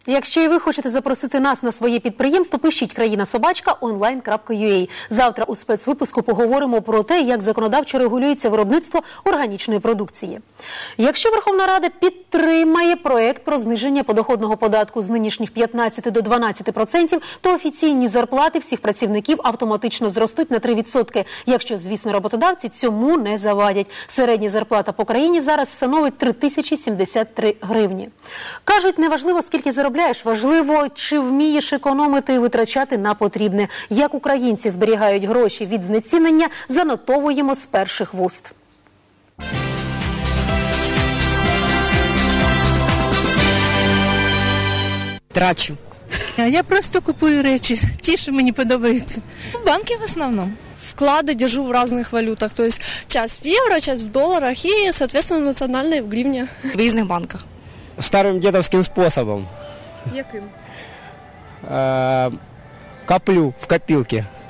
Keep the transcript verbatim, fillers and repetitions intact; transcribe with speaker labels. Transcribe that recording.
Speaker 1: Якщо і ви хочете запросити нас на своє підприємство, пишіть країна собачка онлайн крапка ю а. Завтра у спецвипуску поговоримо про те, як законодавчо регулюється виробництво органічної продукції. Якщо Верховна Рада підтримає проект про зниження подоходного податку з нинішніх п'ятнадцяти до дванадцяти відсотків, то офіційні зарплати всіх працівників автоматично зростуть на три відсотки, якщо, звісно, роботодавці цьому не завадять. Середня зарплата по країні зараз становить три тисячі сімдесят три гривні. Кажуть, неважливо, скільки заробляєш, важливо, чи вмієш економити і витрачати на потрібне. Як українці зберігають гроші від знецінення, занотовуємо з перших вуст.
Speaker 2: Трачу. Я просто купую речі, ті, що мені подобаються.
Speaker 3: Банки в основном. Вклады держу в разных валютах, то есть часть в евро, часть в долларах и, соответственно, национальные в гривне.
Speaker 2: В різних банках.
Speaker 4: Старым дедовским способом.
Speaker 2: Яким?
Speaker 4: Э, коплю в копилке.